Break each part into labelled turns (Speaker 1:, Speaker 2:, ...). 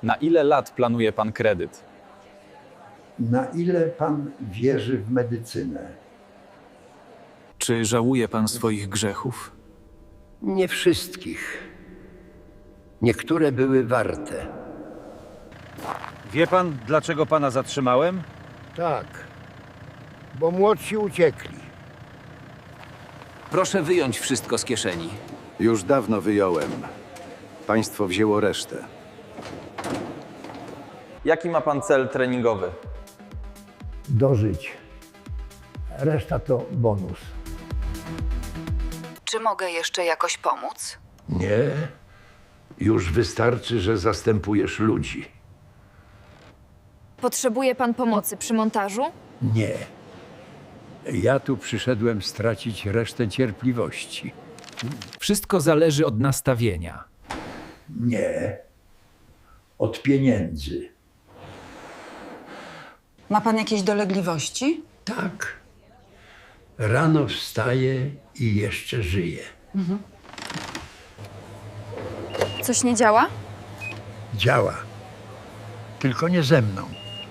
Speaker 1: Na ile lat planuje pan kredyt?
Speaker 2: Na ile pan wierzy w medycynę?
Speaker 3: Czy żałuje pan swoich grzechów?
Speaker 2: Nie wszystkich. Niektóre były warte.
Speaker 4: Wie pan, dlaczego pana zatrzymałem?
Speaker 5: Tak, bo młodsi uciekli.
Speaker 6: Proszę wyjąć wszystko z kieszeni.
Speaker 7: Już dawno wyjąłem. Państwo wzięło resztę.
Speaker 1: Jaki ma pan cel treningowy?
Speaker 5: Dożyć. Reszta to bonus.
Speaker 8: Czy mogę jeszcze jakoś pomóc?
Speaker 2: Nie. Już wystarczy, że zastępujesz ludzi.
Speaker 9: Potrzebuje pan pomocy przy montażu?
Speaker 2: Nie. Ja tu przyszedłem stracić resztę cierpliwości.
Speaker 3: Wszystko zależy od nastawienia.
Speaker 2: Nie. Od pieniędzy.
Speaker 8: Ma pan jakieś dolegliwości?
Speaker 2: Tak. Rano wstaję i jeszcze żyję.
Speaker 9: Coś nie działa?
Speaker 5: Działa. Tylko nie ze mną.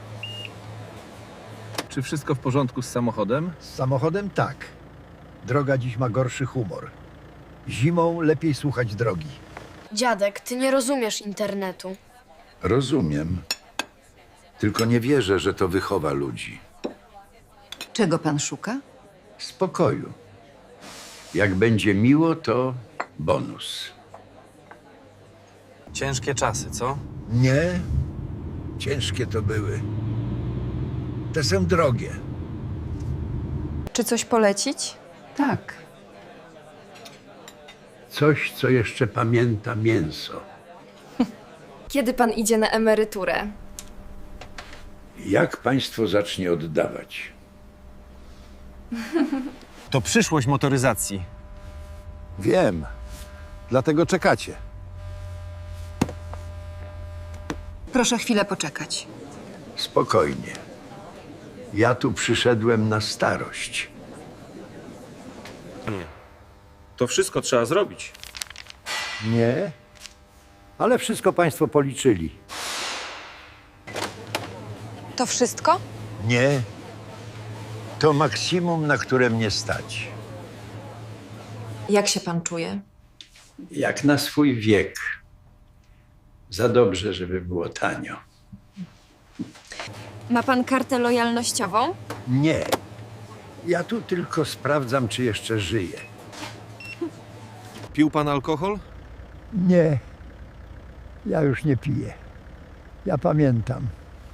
Speaker 3: Czy wszystko w porządku z samochodem?
Speaker 5: Z samochodem tak. Droga dziś ma gorszy humor. Zimą lepiej słuchać drogi.
Speaker 9: Dziadek, ty nie rozumiesz internetu.
Speaker 7: Rozumiem. Tylko nie wierzę, że to wychowa ludzi.
Speaker 8: Czego pan szuka?
Speaker 2: Spokoju. Jak będzie miło, to bonus.
Speaker 6: Ciężkie czasy, co?
Speaker 5: Nie. Ciężkie to były. Te są drogie.
Speaker 9: Czy coś polecić?
Speaker 8: Tak.
Speaker 2: Coś, co jeszcze pamięta mięso.
Speaker 9: Kiedy pan idzie na emeryturę?
Speaker 2: Jak państwo zacznie oddawać?
Speaker 4: To przyszłość motoryzacji.
Speaker 7: Wiem. Dlatego czekacie.
Speaker 8: Proszę chwilę poczekać.
Speaker 2: Spokojnie. Ja tu przyszedłem na starość.
Speaker 4: To wszystko trzeba zrobić.
Speaker 5: Nie. Ale wszystko państwo policzyli.
Speaker 9: To wszystko?
Speaker 5: Nie. To maksimum, na które mnie stać.
Speaker 9: Jak się pan czuje?
Speaker 2: Jak na swój wiek. Za dobrze, żeby było tanio.
Speaker 9: Ma pan kartę lojalnościową?
Speaker 2: Nie. Ja tu tylko sprawdzam, czy jeszcze żyję.
Speaker 4: Pił pan alkohol?
Speaker 5: Nie. Ja już nie piję. Ja pamiętam.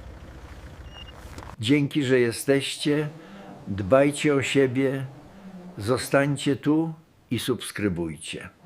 Speaker 2: Dzięki, że jesteście. Dbajcie o siebie. Zostańcie tu i subskrybujcie.